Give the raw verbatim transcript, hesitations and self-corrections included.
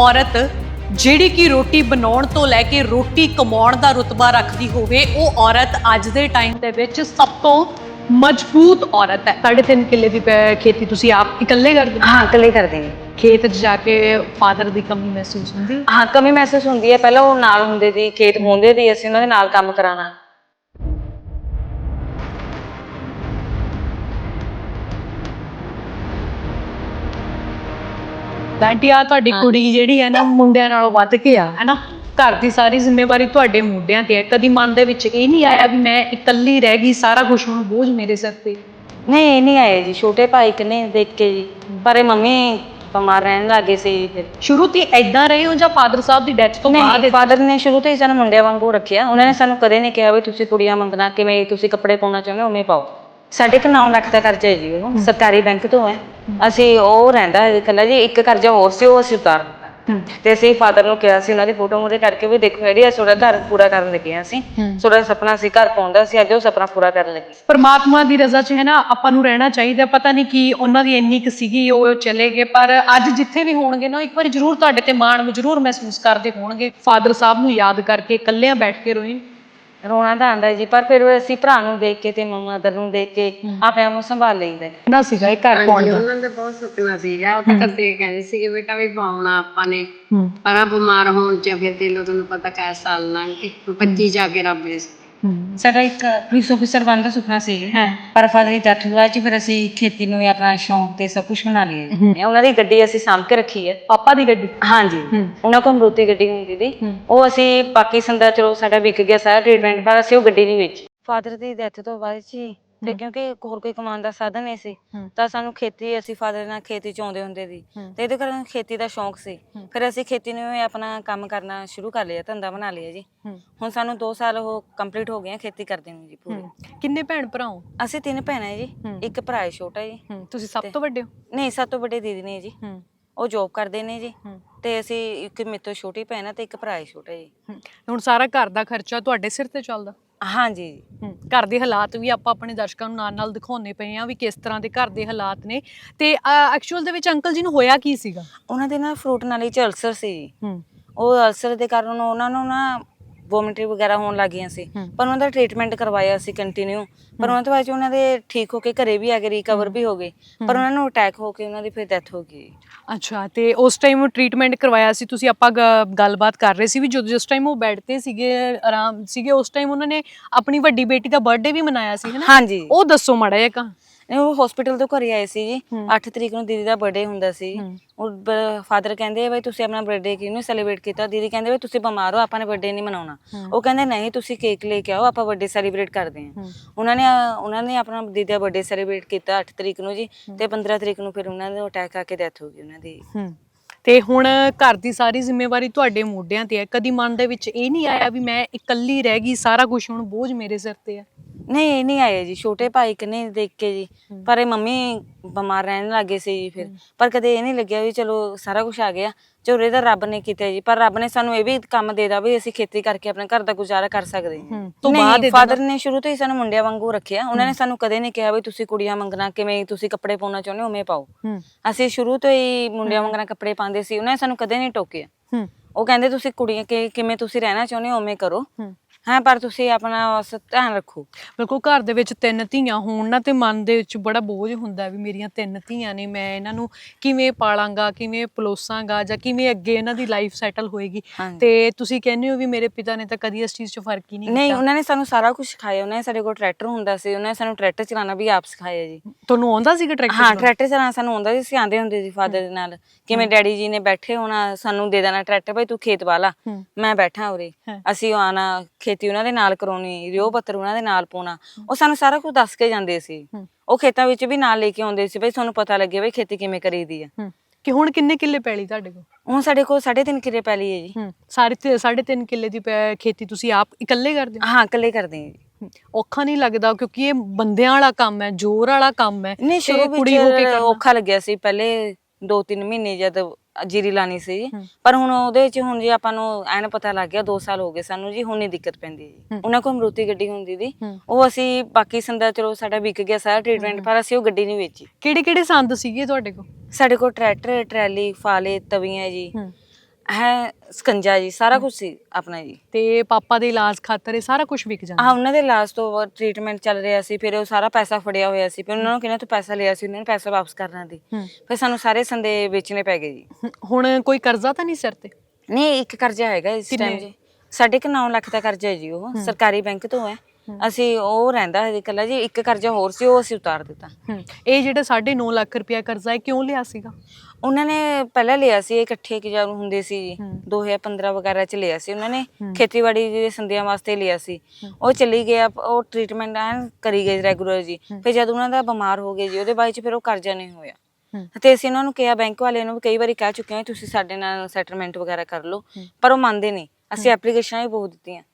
ਔਰਤ ਜਿਹੜੀ ਕਿ ਰੋਟੀ ਬਣਾਉਣ ਤੋਂ ਲੈ ਕੇ ਰੋਟੀ ਕਮਾਉਣ ਦਾ ਰੁਤਬਾ ਰੱਖਦੀ ਹੋਵੇ, ਉਹ ਔਰਤ ਅੱਜ ਦੇ ਟਾਈਮ ਦੇ ਵਿੱਚ ਸਭ ਤੋਂ ਮਜ਼ਬੂਤ ਔਰਤ ਹੈ। ਸਾਢੇ ਤਿੰਨ ਕਿੱਲੇ ਦੀ ਪੈ- ਖੇਤੀ ਤੁਸੀਂ ਆਪ ਇਕੱਲੇ ਕਰਦੇ ਹੋ? हाँ कले कर देंगे। ਖੇਤ 'ਚ ਜਾ ਕੇ ਫਾਦਰ ਦੀ ਕਮੀ ਮਹਿਸੂਸ ਹੁੰਦੀ? हाँ कमी महसूस होंदी है। पहले वो नाल हुंदे सी, खेत होंदे सी, असीं उन्हां दे नाल काम कराना। ਆਂਟੀ ਆ ਤੁਹਾਡੀ ਕੁੜੀ ਜਿਹੜੀ ਹੈ ਨਾ ਮੁੰਡਿਆਂ ਨਾਲੋਂ ਵੱਧ ਕੇ ਆ, ਹੈ ਨਾ? ਘਰ ਦੀ ਸਾਰੀ ਜ਼ਿੰਮੇਵਾਰੀ ਤੁਹਾਡੇ ਮੁੰਡਿਆਂ ਤੇ ਹੈ। ਕਦੀ ਮਨ ਦੇ ਵਿੱਚ ਇਹ ਨਹੀਂ ਆਇਆ ਵੀ ਮੈਂ ਇਕੱਲੀ ਰਹਿ ਗਈ, ਸਾਰਾ ਕੁਝ ਹੁਣ ਬੋਝ ਮੇਰੇ ਸਿਰ ਤੇ? नहीं ये नहीं आए जी, छोटे भाई कने देख के जी, पर ये मम्मी बीमार रहने लगे सी। फिर ਸ਼ੁਰੂ ਤੋਂ ਏਦਾਂ ਰਹੇ ਹੋ ਜਾਂ ਫਾਦਰ ਸਾਹਿਬ ਦੀ ਡੈਥ ਤੋਂ ਬਾਅਦ? नहीं फादर ने शुरू तो ही सानू मुंडिया वांगू रखिया। उन्होंने सानू कदे नहीं कहा भी तुसीं कुड़ियां मंगना, किवें तुसीं कपड़े पाउणा चाहुंदे हो उवें पाओ। साढ़े क नौ ਲੱਖ ਦਾ ਕਰਜ਼ਾ ਹੈ ਜੀ, ਉਹ ਸਰਕਾਰੀ ਬੈਂਕ ਤੋਂ ਹੈ। ਅਸੀਂ ਉਹ ਰਹਿੰਦਾ ਇਕੱਲਾ ਜੀ, ਇੱਕ ਕਰਜ਼ਾ ਹੋਰ ਸੀ ਉਹ ਅਸੀਂ ਉਤਾਰ ਦਿੱਤਾ। ਤੇ ਅਸੀਂ ਫਾਦਰ ਨੂੰ ਕਿਹਾ ਸੀ, ਉਹਨਾਂ ਦੀ ਫੋਟੋ ਮੂਹਰੇ ਕਰਕੇ ਵੀ ਦੇਖੋ ਜਿਹੜੀ ਅਸੀਂ ਤੁਹਾਡਾ ਘਰ ਪੂਰਾ ਕਰਨ ਲੱਗੇ ਹਾਂ, ਅਸੀਂ ਤੁਹਾਡਾ ਸੁਪਨਾ ਸੀ ਘਰ ਪਾਉਂਦਾ ਸੀ, ਅੱਜ ਉਹ ਸੁਪਨਾ ਪੂਰਾ ਕਰਨ ਲੱਗੇ। ਪਰਮਾਤਮਾ ਦੀ ਰਜ਼ਾ 'ਚ ਹੈ ਨਾ, ਆਪਾਂ ਨੂੰ ਰਹਿਣਾ ਚਾਹੀਦਾ। ਪਤਾ ਨਹੀਂ ਕੀ ਉਹਨਾਂ ਦੀ ਇੰਨੀ ਕੁ ਸੀਗੀ, ਉਹ ਚਲੇ ਗਏ, ਪਰ ਅੱਜ ਜਿੱਥੇ ਵੀ ਹੋਣਗੇ ਨਾ, ਇੱਕ ਵਾਰੀ ਜ਼ਰੂਰ ਤੁਹਾਡੇ ਤੇ ਮਾਣ ਜ਼ਰੂਰ ਮਹਿਸੂਸ ਕਰਦੇ ਹੋਣਗੇ। ਫਾਦਰ ਸਾਹਿਬ ਨੂੰ ਯਾਦ ਕਰਕੇ ਇਕੱਲਿਆਂ ਬੈਠ ਕੇ ਰੋਏ? ਰੋਣਾ ਤਾਂ ਆਉਂਦਾ ਜੀ, ਪਰ ਫਿਰ ਅਸੀਂ ਭਰਾ ਨੂੰ ਦੇਖ ਕੇ ਤੇ ਮਦਰ ਨੂੰ ਦੇਖ ਕੇ ਆਪਣੇ ਆਪ ਨੂੰ ਸੰਭਾਲ ਲਈਦਾ। ਨਾ ਸੀਗਾ ਇਹ ਘਰ ਪਾਉਣ ਦਾ? ਉਹਨਾਂ ਦੇ ਬਹੁਤ ਸੁਪਨਾ ਸੀਗਾ, ਉਹ ਤਾਂ ਕਦੇ ਕਹਿੰਦੇ ਸੀ ਕਿ ਬੇਟਾ ਵੀ ਪਾਉਣਾ ਆਪਾਂ ਨੇ, ਪਰ ਆ ਬਿਮਾਰ ਹੋਣ ਚ ਫਿਰ ਦੇ ਲੋ, ਤੁਹਾਨੂੰ ਪਤਾ ਕੈ ਸਾਲ ਲੰਘ ਗਏ, ਪੱਚੀ ਜਾ ਕੇ ਰੱਬ ਦੇ। ਸਾਡਾ ਇੱਕ ਪੁਲਿਸ ਅਫਸਰ ਬਣਨ ਦਾ ਸੁਪਨਾ ਸੀ, ਪਰ ਫਾਦਰ ਦੀ ਡੈਥ ਹੋਈ ਚ ਫਿਰ ਅਸੀਂ ਖੇਤੀ ਨੂੰ ਵੀ ਆਪਣਾ ਸ਼ੌਂਕ ਤੇ ਸਭ ਕੁਝ ਬਣਾ ਲਿਆ। ਉਹਨਾਂ ਦੀ ਗੱਡੀ ਅਸੀਂ ਸਾਂਭ ਕੇ ਰੱਖੀ ਹੈ। ਪਾਪਾ ਦੀ ਗੱਡੀ? ਹਾਂਜੀ, ਉਹਨਾਂ ਕੋਲ ਮਰੂਤੀ ਗੱਡੀ ਹੁੰਦੀ ਸੀ, ਉਹ ਅਸੀਂ ਪਾਕਿਸਤਾਨ ਦਾ ਚਲੋ ਸਾਡਾ ਵਿਕ ਗਿਆ ਸਾਰਾ ਟ੍ਰੀਟਮੈਂਟ, ਪਰ ਅਸੀਂ ਉਹ ਗੱਡੀ ਨਹੀਂ ਵੇਚੀ। ਫਾਦਰ ਦੀ ਡੈਥ ਤੋਂ ਬਾਅਦ ਜੀ, ਤੇ ਕਿਉਂਕਿ ਹੋਰ ਕੋਈ ਕਮਾਉਣ ਦਾ ਸਾਧਨ ਨਹੀਂ ਸੀ, ਤਾਂ ਸਾਨੂੰ ਖੇਤੀ, ਅਸੀਂ ਫਾਦਰ ਨਾਲ ਖੇਤੀ ਚ ਆਉਂਦੇ ਹੁੰਦੇ ਸੀ, ਤੇ ਇਹਦੇ ਕਾਰਨ ਖੇਤੀ ਦਾ ਸ਼ੌਂਕ ਸੀ। ਫਿਰ ਅਸੀਂ ਖੇਤੀ ਨੂੰ ਆਪਣਾ ਕੰਮ ਕਰਨਾ ਸ਼ੁਰੂ ਕਰ ਲਿਆ, ਧੰਦਾ ਬਣਾ ਲਿਆ ਜੀ। ਹੁਣ ਸਾਨੂੰ ਦੋ ਸਾਲ ਉਹ ਕੰਪਲੀਟ ਹੋ ਗਏ ਖੇਤੀ ਕਰਦੇ ਨੂੰ ਜੀ ਪੂਰੀ। ਕਿੰਨੇ ਭੈਣ ਭਰਾ ਹੋ? ਅਸੀਂ ਤਿੰਨ ਭੈਣਾਂ ਜੀ, ਇੱਕ ਭਰਾ ਹੈ ਛੋਟਾ ਜੀ। ਤੁਸੀਂ ਸਭ ਤੋਂ ਵੱਡੇ ਹੋ? ਨਹੀਂ, ਸਭ ਤੋਂ ਵੱਡੇ ਦੀਦੀ ਨੇ ਜੀ, ਉਹ ਜੋਬ ਕਰਦੇ ਨੇ ਜੀ, ਤੇ ਅਸੀਂ ਇੱਕ ਮੇਰੇ ਤੋਂ ਛੋਟੀ ਭੈਣ ਆ ਤੇ ਇੱਕ ਭਰਾ ਹੈ ਛੋਟਾ ਜੀ। ਹੁਣ ਸਾਰਾ ਘਰ ਦਾ ਖਰਚਾ ਤੁਹਾਡੇ ਸਿਰ ਤੇ ਚੱਲਦਾ? ਹਾਂਜੀ। ਘਰ ਦੇ ਹਾਲਾਤ ਵੀ ਆਪਾਂ ਆਪਣੇ ਦਰਸ਼ਕਾਂ ਨੂੰ ਨਾਲ ਨਾਲ ਦਿਖਾਉਂਦੇ ਪਏ ਆ ਵੀ ਕਿਸ ਤਰ੍ਹਾਂ ਦੇ ਘਰ ਦੇ ਹਾਲਾਤ ਨੇ। ਤੇ ਐਕਚੁਅਲ ਦੇ ਵਿੱਚ ਅੰਕਲ ਜੀ ਨੂੰ ਹੋਇਆ ਕੀ ਸੀਗਾ? ਉਹਨਾਂ ਦੇ ਨਾ ਫਰੂਟ ਨਾਲੀ ਚ ਅਲਸਰ ਸੀ, ਉਹ ਅਲਸਰ ਦੇ ਕਾਰਨ ਉਹਨਾਂ ਨੂੰ ਨਾ ਵੋਮਿਟਿੰਗ ਵਗੈਰਾ ਹੋਣ ਲੱਗ ਗਈਆਂ ਸੀ, ਪਰ ਉਹਨਾਂ ਦਾ ਟ੍ਰੀਟਮੈਂਟ ਕਰਵਾਇਆ ਸੀ ਕੰਟੀਨਿਊ, ਪਰ ਉਹਨਾਂ ਤੋਂ ਬਾਅਦ ਉਹਨਾਂ ਦੇ ਠੀਕ ਹੋ ਕੇ ਘਰੇ ਵੀ ਆ ਗਏ, ਰਿਕਵਰ ਵੀ ਹੋ ਗਏ, ਪਰ ਉਹਨਾਂ ਨੂੰ ਅਟੈਕ ਹੋ ਕੇ ਉਹਨਾਂ ਦੀ ਫਿਰ ਡੈਥ ਹੋ ਗਈ। ਅੱਛਾ, ਤੇ ਉਸ ਟਾਈਮ ਟ੍ਰੀਟਮੈਂਟ ਕਰਵਾਇਆ ਸੀ ਤੁਸੀਂ, ਆਪਾਂ ਗੱਲਬਾਤ ਕਰ ਰਹੇ ਸੀ ਵੀ ਜਦੋਂ ਜਿਸ ਟਾਈਮ ਉਹ ਬੈੱਡ ਤੇ ਸੀਗੇ, ਆਰਾਮ ਸੀਗੇ, ਉਸ ਟਾਈਮ ਉਹਨਾਂ ਨੇ ਆਪਣੀ ਵੱਡੀ ਬੇਟੀ ਦਾ ਬਰਥਡੇ ਵੀ ਮਨਾਇਆ ਸੀ, ਹੈ ਨਾ? ਹਾਂਜੀ, ਉਹ ਦੱਸੋ ਮਾੜਾ ਜਿਹਾ। ਕਾ ਉਹ ਹਸਪੀਟਲ ਤੋਂ ਘਰੇ ਆਏ ਸੀ ਜੀ, ਅੱਠ ਤਰੀਕ ਨੂੰ ਦੀਦੀ ਦਾ ਬਰਥਡੇ ਹੁੰਦਾ ਸੀ। ਉਹ ਫਾਦਰ ਕਹਿੰਦੇ ਬਈ ਤੁਸੀਂ ਆਪਣਾ ਬਰਥਡੇ ਕਿਉਂ ਨਹੀਂ ਸੈਲੀਬ੍ਰੇਟ ਕੀਤਾ? ਦੀਦੀ ਕਹਿੰਦੇ ਬਈ ਤੁਸੀਂ ਬਿਮਾਰ ਹੋ, ਆਪਾਂ ਨੇ ਬਰਥਡੇ ਨਹੀਂ ਮਨਾਉਣਾ। ਉਹ ਕਹਿੰਦੇ ਨਹੀਂ, ਤੁਸੀਂ ਕੇਕ ਲੈ ਕੇ ਆਓ, ਆਪਾਂ ਬਰਥਡੇ ਸੈਲੀਬ੍ਰੇਟ ਕਰਦੇ ਹਾਂ। ਉਹਨਾਂ ਨੇ ਉਹਨਾਂ ਨੇ ਆਪਣਾ ਦੀਦੀ ਦਾ ਬਰਥਡੇ ਸੈਲੀਬ੍ਰੇਟ ਕੀਤਾ ਅੱਠ ਤਰੀਕ ਨੂੰ ਜੀ, ਤੇ ਪੰਦਰਾਂ ਤਰੀਕ ਨੂੰ ਫਿਰ ਉਹਨਾਂ ਨੂੰ ਅਟੈਕ ਆ ਕੇ ਡੈਥ ਹੋ ਗਈ ਉਹਨਾਂ ਦੀ। ਤੇ ਹੁਣ ਘਰ ਦੀ ਸਾਰੀ ਜ਼ਿੰਮੇਵਾਰੀ ਤੁਹਾਡੇ ਮੋਢਿਆਂ ਤੇ ਹੈ। ਕਦੀ ਮਨ ਦੇ ਵਿੱਚ ਇਹ ਨਹੀਂ ਆਇਆ ਵੀ ਮੈਂ ਇਕੱਲੀ ਰਹਿ ਗਈ, ਸਾਰਾ ਕੁਝ ਹੁਣ ਬੋਝ ਮੇਰੇ ਸਿਰ ਤੇ ਹੈ? ਨਹੀਂ ਇਹ ਨਹੀਂ ਆਏ ਜੀ, ਛੋਟੇ ਭਾਈ ਕਨੇ ਦੇਖ ਕੇ ਜੀ, ਪਰ ਇਹ ਮੰਮੀ ਬਿਮਾਰ ਰਹਿਣ ਲੱਗੇ ਸੀ ਜੀ ਫਿਰ, ਪਰ ਕਦੇ ਇਹ ਨਹੀਂ ਲੱਗਿਆ ਵੀ ਚਲੋ ਸਾਰਾ ਕੁਝ ਆ ਗਿਆ, ਝੋਰੇ ਦਾ ਰੱਬ ਨੇ ਕੀਤਾ ਜੀ। ਪਰ ਰੱਬ ਨੇ ਸਾਨੂੰ ਇਹ ਵੀ ਕੰਮ ਦੇ ਦਿੱਤਾ ਵੀ ਅਸੀਂ ਖੇਤੀ ਕਰਕੇ ਆਪਣੇ ਘਰ ਦਾ ਗੁਜ਼ਾਰਾ ਕਰ ਸਕਦੇ ਹਾਂ। ਨਹੀਂ, ਫਾਦਰ ਨੇ ਸ਼ੁਰੂ ਤੋਂ ਹੀ ਸਾਨੂੰ ਮੁੰਡਿਆਂ ਵਾਂਗੂ ਰੱਖਿਆ। ਉਹਨਾਂ ਨੇ ਸਾਨੂੰ ਕਦੇ ਨਹੀਂ ਕਿਹਾ ਵੀ ਤੁਸੀਂ ਕੁੜੀਆਂ ਮੰਗਣਾ, ਕਿਵੇਂ ਤੁਸੀਂ ਕੱਪੜੇ ਪਾਉਣਾ ਚਾਹੁੰਦੇ ਹੋ ਉਵੇਂ ਪਾਓ। ਅਸੀਂ ਸ਼ੁਰੂ ਤੋਂ ਹੀ ਮੁੰਡਿਆਂ ਵਾਂਗਣਾ ਕੱਪੜੇ ਪਾਉਂਦੇ ਸੀ, ਉਹਨਾਂ ਨੇ ਸਾਨੂੰ ਕਦੇ ਨਹੀਂ ਟੋਕਿਆ। ਉਹ ਕਹਿੰਦੇ ਤੁਸੀਂ ਕੁੜੀਆਂ ਕਿਵੇਂ ਤੁਸੀਂ ਰਹਿਣਾ ਚਾਹੁੰਦੇ ਹੋ ਉਵੇਂ ਕਰੋ, ਹਾਂ, ਪਰ ਤੁਸੀਂ ਆਪਣਾ ਧਿਆਨ ਰੱਖੋ। ਬਿਲਕੁਲ, ਘਰ ਦੇ ਵਿੱਚ ਤਿੰਨ ਧੀਆਂ ਹੋਣ ਨਾ, ਤੇ ਮਨ ਦੇ ਵਿੱਚ ਬੜਾ ਬੋਝ ਹੁੰਦਾ ਵੀ ਮੇਰੀਆਂ ਤਿੰਨ ਧੀਆਂ ਨੇ, ਮੈਂ ਇਹਨਾਂ ਨੂੰ ਕਿਵੇਂ ਪਾਲਾਂਗਾ, ਕਿਵੇਂ ਪਲੋਸਾਂਗਾ, ਜਾਂ ਕਿਵੇਂ ਅੱਗੇ ਇਹਨਾਂ ਦੀ ਲਾਈਫ ਸੈਟਲ ਹੋਏਗੀ। ਤੇ ਤੁਸੀਂ ਕਹਿੰਦੇ ਹੋ ਵੀ ਮੇਰੇ ਪਿਤਾ ਨੇ ਤਾਂ ਕਦੀ ਇਸ ਚੀਜ਼ 'ਚ ਫਰਕ ਹੀ ਨਹੀਂ ਕੀਤਾ? ਨਹੀਂ, ਉਹਨਾਂ ਨੇ ਸਾਨੂੰ ਸਾਰਾ ਕੁਝ ਸਿਖਾਇਆ। ਉਹਨਾਂ ਨੇ ਸਾਡੇ ਕੋਲ ਟਰੈਕਟਰ ਹੁੰਦਾ ਸੀ, ਉਹਨਾਂ ਨੇ ਸਾਨੂੰ ਟਰੈਕਟਰ ਚਲਾਉਣਾ ਵੀ ਆਪ ਸਿਖਾਇਆ ਜੀ। ਤੁਹਾਨੂੰ ਆਉਂਦਾ ਸੀਗਾ ਟਰੈਕਟਰ? ਹਾਂ, ਟਰੈਕਟਰ ਚਲਾਉਣਾ ਸਾਨੂੰ ਆਉਂਦਾ ਸੀ, ਅਸੀਂ ਆਉਂਦੇ ਹੁੰਦੇ ਸੀ ਫਾਦਰ ਦੇ ਨਾਲ। ਕਿਵੇਂ ਡੈਡੀ ਜੀ ਨੇ ਬੈਠੇ ਹੋਣਾ, ਸਾਨੂੰ ਦੇ ਦੇਣਾ ਟਰੈਕਟਰ, ਭਾਈ ਤੂੰ ਖੇਤ ਵਾਲਾ, ਮੈਂ ਬੈਠਾ ਉਰੇ, ਅਸੀਂ ਆਉਣਾ, ਖੇਤੀ ਉਹਨਾਂ ਦੇ ਨਾਲ ਕਰਾਉਣੀ, ਰਿਓ ਪੱਤਰ ਉਹਨਾਂ ਦੇ ਨਾਲ ਪਾਉਣਾ। ਉਹ ਸਾਨੂੰ ਸਾਰਾ ਕੁਝ ਦੱਸ ਕੇ ਜਾਂਦੇ ਸੀ। ਉਹ ਖੇਤਾਂ ਵਿੱਚ ਵੀ ਨਾਲ ਲੈ ਕੇ ਆਉਂਦੇ ਸੀ, ਬਈ ਤੁਹਾਨੂੰ ਪਤਾ ਲੱਗੇ ਬਈ ਖੇਤੀ ਕਿਵੇਂ ਕਰੀਦੀ ਆ। ਕਿ ਹੁਣ ਕਿੰਨੇ ਕਿੱਲੇ ਪੈਲੀ ਤੁਹਾਡੇ ਕੋਲ? ਹੁਣ ਸਾਡੇ ਕੋਲ ਸਾਢੇ ਤਿੰਨ ਕਿੱਲੇ ਪੈਲੀ ਹੈ ਜੀ। ਸਾਰੇ ਸਾਢੇ ਤਿੰਨ ਕਿੱਲੇ ਦੀ ਖੇਤੀ ਤੁਸੀਂ ਆਪ ਇਕੱਲੇ ਕਰਦੇ ਹੋ? ਹਾਂ, ਇਕੱਲੇ ਕਰਦੇ ਹਾਂ ਜੀ। ਔਖਾ ਨਹੀਂ ਲੱਗਦਾ? ਕਿਉਂਕਿ ਇਹ ਬੰਦਿਆਂ ਵਾਲਾ ਕੰਮ ਹੈ, ਜ਼ੋਰ ਵਾਲਾ ਕੰਮ ਹੈ। ਨਹੀਂ, ਸ਼ੁਰੂ ਵਿੱਚ ਔਖਾ ਲੱਗਿਆ ਸੀ, ਪਹਿਲੇ ਦੋ ਤਿੰਨ ਮਹੀਨੇ ਜਦ ਜੀਰੀ ਲਾਣੀ ਸੀ, ਪਰ ਹੁਣ ਉਹਦੇ ਵਿੱਚ ਹੁਣ ਜੀ ਆਪਾਂ ਨੂੰ ਐਨ ਪਤਾ ਲੱਗ ਗਿਆ, ਦੋ ਸਾਲ ਹੋ ਗਏ ਸਾਨੂੰ ਜੀ, ਹੁਣ ਨਹੀਂ ਦਿੱਕਤ ਪੈਂਦੀ ਜੀ। ਉਹਨਾਂ ਕੋਲ ਮਰੂਤੀ ਗੱਡੀ ਹੁੰਦੀ ਸੀ, ਉਹ ਅਸੀਂ ਬਾਕੀ ਸੰਦਾ ਚਲੋ ਸਾਡਾ ਵਿਕ ਗਿਆ ਸਾਰਾ ਟ੍ਰੀਟਮੈਂਟ, ਪਰ ਅਸੀਂ ਉਹ ਗੱਡੀ ਨਹੀਂ ਵੇਚੀ। ਕਿਹੜੇ ਕਿਹੜੇ ਸੰਦ ਸੀਗੇ ਤੁਹਾਡੇ ਕੋਲ? ਸਾਡੇ ਕੋਲ ਟਰੈਕਟਰ, ਟਰੈਲੀ, ਫਾਲੇ, ਤਵੀਆਂ ਜੀ, ਹੈ ਸਕੰਜਾ ਜੀ, ਸਾਰਾ ਕੁਝ ਸੀ ਆਪਣਾ ਜੀ। ਤੇ ਪਾਪਾ ਦੇ ਇਲਾਜ ਖਾਤਰ ਇਹ ਸਾਰਾ ਕੁਝ ਵਿਕ ਜਾਂਦਾ? ਹਾਂ, ਉਹਨਾਂ ਦੇ ਇਲਾਜ ਤੋਂ ਟ੍ਰੀਟਮੈਂਟ ਚੱਲ ਰਿਹਾ ਸੀ, ਫਿਰ ਉਹ ਸਾਰਾ ਪੈਸਾ ਫੜਿਆ ਹੋਇਆ ਸੀ, ਫਿਰ ਉਹਨਾਂ ਨੂੰ ਕਿਹਨਾਂ ਤੋਂ ਪੈਸਾ ਲਿਆ ਸੀ, ਉਹਨਾਂ ਨੇ ਪੈਸਾ ਵਾਪਸ ਕਰਨਾ ਸੀ, ਫਿਰ ਸਾਨੂੰ ਸਾਰੇ ਸੰਦੇ ਵੇਚਣੇ ਪੈ ਗਏ ਜੀ। ਹਮ, ਹੁਣ ਕੋਈ ਕਰਜ਼ਾ ਤਾਂ ਨਹੀਂ ਸਿਰ ਤੇ? ਨਹੀਂ, ਇੱਕ ਕਰਜ਼ਾ ਹੈਗਾ ਇਸ ਟਾਈਮ ਜੀ, ਸਾਢੇ ਕੁ ਨੌ ਲੱਖ ਦਾ ਕਰਜ਼ਾ ਹੈ ਜੀ, ਉਹ ਸਰਕਾਰੀ ਬੈਂਕ ਤੋਂ ਹੈ। ਅਸੀਂ ਉਹ ਰਹਿੰਦਾ ਹੈ ਇਕੱਲਾ ਜੀ, ਇੱਕ ਕਰਜ਼ਾ ਹੋਰ ਸੀ ਉਹ ਅਸੀਂ ਉਤਾਰ ਦਿੱਤਾ। ਹਮ, ਇਹ ਜਿਹੜਾ ਸਾਢੇ ਨੌ ਲੱਖ ਰੁਪਇਆ ਕਰਜ਼ਾ ਹੈ ਕਿਉਂ ਲਿਆ ਸੀਗਾ? ਉਹਨਾਂ ਨੇ ਪਹਿਲਾਂ ਲਿਆ ਸੀ, ਇਹ ਇਕੱਠੇ ਕਿ ਜਦੋਂ ਹੁੰਦੇ ਸੀ ਜੀ, ਦੋ ਹਜ਼ਾਰ ਪੰਦਰਾਂ ਵਗੈਰਾ ਚ ਲਿਆ ਸੀ ਉਹਨਾਂ ਨੇ, ਖੇਤੀਬਾੜੀ ਦੇ ਸੰਦਿਆਂ ਵਾਸਤੇ ਲਿਆ ਸੀ। ਉਹ ਚਲੀ ਗਿਆ, ਉਹ ਟ੍ਰੀਟਮੈਂਟ ਐਨ ਕਰੀ ਗਏ ਰੈਗੂਲਰ ਜੀ। ਫਿਰ ਜਦ ਉਹਨਾਂ ਦਾ ਬਿਮਾਰ ਹੋ ਗਏ ਜੀ, ਉਹਦੇ ਬਾਅਦ ਚ ਫਿਰ ਉਹ ਕਰਜ਼ਾ ਨਹੀਂ ਹੋਇਆ। ਤੇ ਅਸੀਂ ਉਹਨਾਂ ਨੂੰ ਕਿਹਾ, ਬੈਂਕ ਵਾਲਿਆਂ ਨੂੰ ਵੀ ਕਈ ਵਾਰੀ ਕਹਿ ਚੁੱਕੇ ਹਾਂ ਤੁਸੀਂ ਸਾਡੇ ਨਾਲ ਸੈਟਲਮੈਂਟ ਵਗੈਰਾ ਕਰ ਲਓ, ਪਰ ਉਹ ਮੰਨਦੇ ਨਹੀਂ। ਅਸੀਂ ਐਪਲੀਕੇਸ਼ਨਾਂ ਵੀ ਬਹੁਤ ਦਿੱਤੀਆਂ।